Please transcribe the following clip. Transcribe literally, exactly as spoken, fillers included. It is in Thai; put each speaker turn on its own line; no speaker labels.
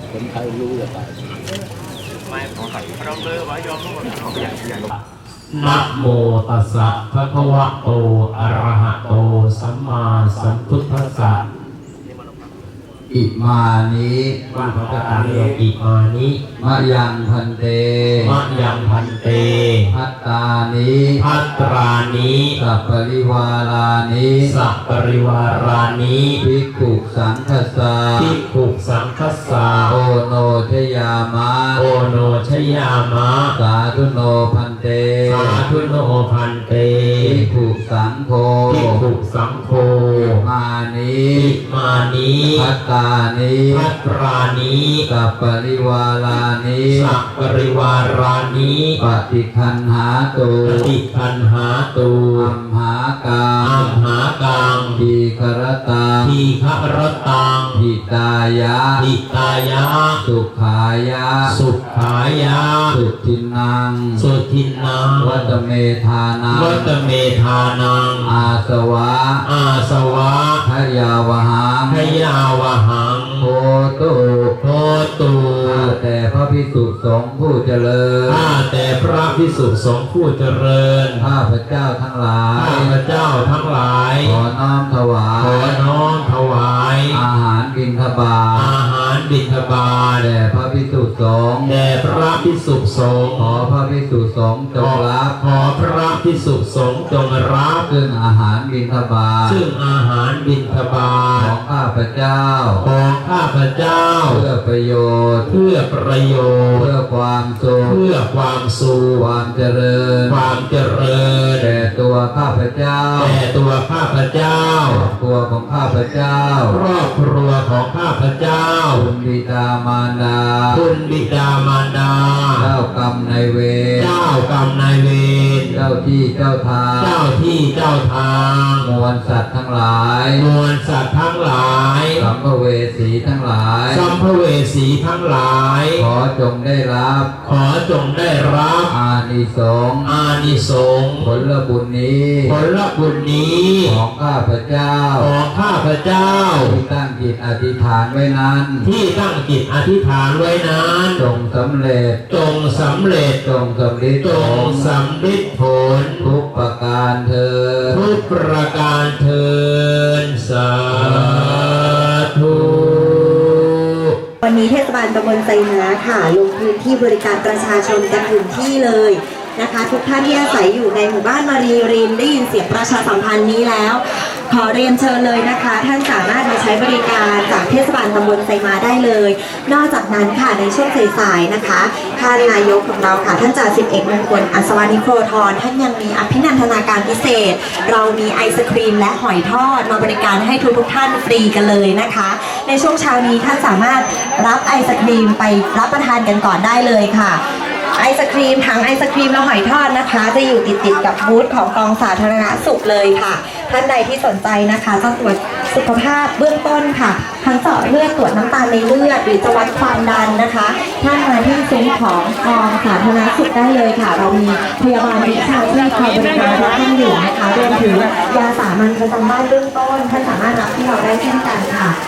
คนไทยรู้จะตาย
ไม่ขอใส่เราเลยว่ายอมทุกคนเขาใหญ่ใหญ่
นะโมตัสสะภะคะวะโตอะระหะโตสัมมาสัมพุทธัสสะ
อิมานิ
ว่าพระเจ้าอ่านว่าอิมานิ
มะยังพันเต
มะยังพันเต
พัตตานิ
ภัตรานิ
สัพปริวารานิ
สัพปริวารานิ
ภิกขุสังฆสา
ภิกขุสังฆสา
โอโนชยามะ
โอโนชยามะ
สาธุโนพันเต
สาธุโนพันเต
ภิกขุสังโฆ
ภิกขุสังโฆ
มานิ
มานิ
พัตตานิ
ภัตรานิ
สัพปริวารานิ
สัพปริวารานิ
ปฏิคันหาตุ
ปฏิคันหาตุ
อัมหากัง
อัมหากัง
ทีครตัง
ทีฆรตัง
หิตายะ
หิตายะ
สุขายะ
สุขายะ
สุทินัง
สุทินัง
วัตเมธานัง
วัตเมธานัง
อาสวะ
อาสวะ
พยาวหัง
พยาวหัง
โพตุ
โพตุ
ข้าแต่พระภิกษุสงฆ์ผู้เจริญ
ข้าแต่พระภิกษุสงฆ์ผู้เจริญ
ข้าพระเจ้าทั้งหลาย
ข้าพระเจ้าทั้งหลาย
ขอน้อมถวาย
ขอน้อมถวาย
อาหารบิณฑบาต
อาหารบิณฑบาต
แด่พระภิกษุสงฆ์
แด่พระภิกษุสงฆ์
ขอพระภิกษุสงฆ์จงรับ
ขอพระภิกษุสงฆ์จงรับ
ซึ่งอาหารบิณฑบาต
ซึ่งอาหารบิณฑบาต
ของข้าพระเจ้า
ของข้าพระเจ้า
เพื่อประโยชน์
เพื่อประโยชน์
เพื่อความสุข
เพื่อความสุข
ความเจริญ
ความเจริญ
แด่ตัวข้าพเจ้า
แด่ตัวข้าพเจ้า
ตัวของข้าพเจ้า
ครอบครัวของข้าพเจ้า
คุณบิดามารดา
คุณบิดามารดา
เจ้ากรรมนายเวร
เจ้ากรรมนายเวร
เจ้าที่เจ้าทาง
เจ้าที่เจ้าทาง
มวลสัตว์ทั้งหลาย
มวลสัตว์ทั้งหลาย
สัมภเวสีทั้งหลาย
สัมภเวสีทั้งหลาย
ขอจงได้รับ
ขอจงได้รับ
อานิสงส์
อานิสงส์
ผลบุญนี้
ผลบุญนี้
ของข้าพเจ้า
ของข้าพเจ้า
ที่ตั้งจิตอธิษฐานไว้นั้น
ที่ตั้งจิตอธิษฐานไว้นั้น
จงสำเร็จ
จงสำเร็จ
จงสำเร็จ
จงสำเร็จผล
ทุกประการเถิด
ทุกประการเถิดสาธุ
วันนี้เทศบาลตำบลไซม้าค่ะลงพื้นที่บริการประชาชนกันถึงที่เลยนะคะทุกท่านที่อาศัยอยู่ในหมู่บ้านมารีรินได้ยินเสียงประชาสัมพันธ์นี้แล้วขอเรียนเชิญเลยนะคะท่านสามารถมาใช้บริการจากเทศบาลตำบลไซม้าได้เลยนอกจากนั้นค่ะในช่วงสายๆนะคะท่านนายกของเราค่ะท่านจ่าสิบเอกมงคลอัศวานิโครธรท่านยังมีอภินันทนาการพิเศษเรามีไอศครีมและหอยทอดมาบริการให้ทุกๆท่านฟรีกันเลยนะคะในช่วงเช้านี้ท่านสามารถรับไอศครีมไปรับประทานกันก่อนได้เลยค่ะไอศครีมถังไอศครีมและหอยทอดนะคะจะอยู่ติดติดกับบูธของกองสาธารณสุขเลยค่ะท่านใดที่สนใจนะคะจะตรวจสุขภาพเบื้องต้นค่ะทั้งเจาะเลือดตรวจน้ำตาลในเลือดหรือจะวัดความดันนะคะท่านมาที่ซุ้มของกองสาธารณสุขได้เลยค่ะเรามีพยาบาลวิชาชีพคอยบริการทุกท่านอยู่นะคะรวมถึงยาสามัญประจำบ้านเบื้องต้นท่านสามารถรับที่เราได้เช่นกันค่ะ